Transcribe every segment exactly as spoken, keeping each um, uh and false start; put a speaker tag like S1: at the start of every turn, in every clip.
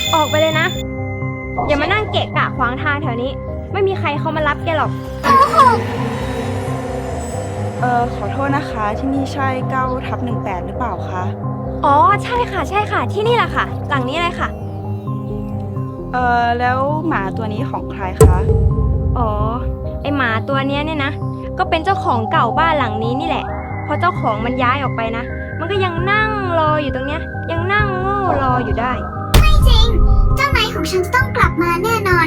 S1: ออกไปเลยนะ อย่ามานั่งเกะกะขวางทางแถวนี้ ไม่มีใครเขามารับแกหรอก
S2: เอ่อขอโทษนะคะที่นี่ใช่เก้าทับหนึ่งแปดหรือเปล่าคะ
S1: อ๋อใช่ค่ะใช่ค่ะที่นี่แหละค่ะ หลังนี้เลยค่ะ
S2: เอ่อแล้วหมาตัวนี้ของใครคะ
S1: อ๋อไอหมาตัวเนี้ยเนี่ยนะ ก็เป็นเจ้าของเก่าบ้านหลังนี้นี่แหละพอเจ้าของมันย้ายออกไปนะ มันก็ยังนั่งรออยู่ตรงเนี้ย ยังนั่งโง่รออยู่ได้
S3: ไม่จริง เจ้านายของฉันจะต้องกลับมาแน่นอน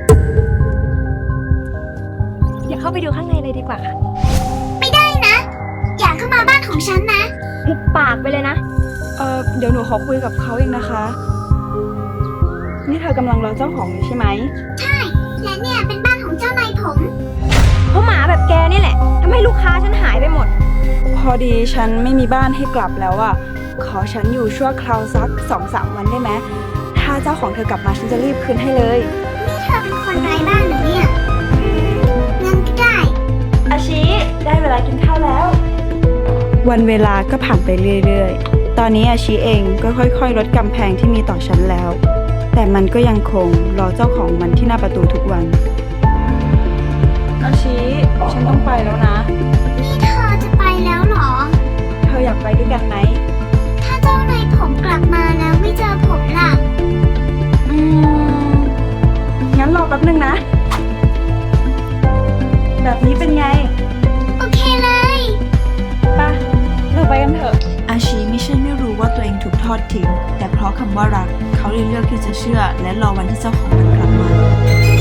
S1: อย่าเข้าไปดูข้างในเลยดีกว่าค่ะ
S3: ไม่ได้นะ อย่าเข้ามาบ้านของฉันนะ
S1: หุบปากไปเลยนะ
S2: เอ่อเดี๋ยวหนูขอคุยกับเขาเองนะคะ นี่เธอกำลังรอเจ้าของอยู่ใช่ไหม
S3: ใช่ และเนี่ยเป็นบ้านของเจ้านายผม
S1: เพราะหมาแบบแกนี่แหละทำให้ลูกค้าฉันหายไปหมด
S2: พอดีฉันไม่มีบ้านให้กลับแล้วอะขอฉันอยู่ชั่วคราวสักสองสามวันได้ไหมถ้าเจ้าของเธอกลับมาฉันจะรีบคืนให้เลย
S3: นี่เธอเป็นคนไร้บ้านเหรือเนี่ยงั้นก็ได้
S2: อาชิได้เวลากินข้าวแล้ว วันเวลาก็ผ่านไปเรื่อยๆ ตอนนี้อาชิเองก็ค่อยๆ ลดกำแพงที่มีต่อฉันแล้ว แต่มันก็ยังคงรอเจ้าของมันที่หน้าประตูทุกวัน อาชิฉันต้องไปแล้วนะ
S3: นี่เธอจะไปแล้วเหรอ
S2: เธออยากไปด้วยกันไหม
S3: ถ้าเจ้านายผมกลับมาแล้วไม่เจอผมล่ะ
S2: อืม งั้นรอแป๊บนึงนะ แบบนี้เป็นไง
S3: โอเคเลย
S2: ปะเราไปกันเถอะ อาชีไม่ใช่ไม่รู้ว่าตัวเองถูกทอดทิ้ง แต่เพราะคำว่ารัก เขาเลยเลือกที่จะเชื่อ และรอวันที่เจ้าของมันกลับมา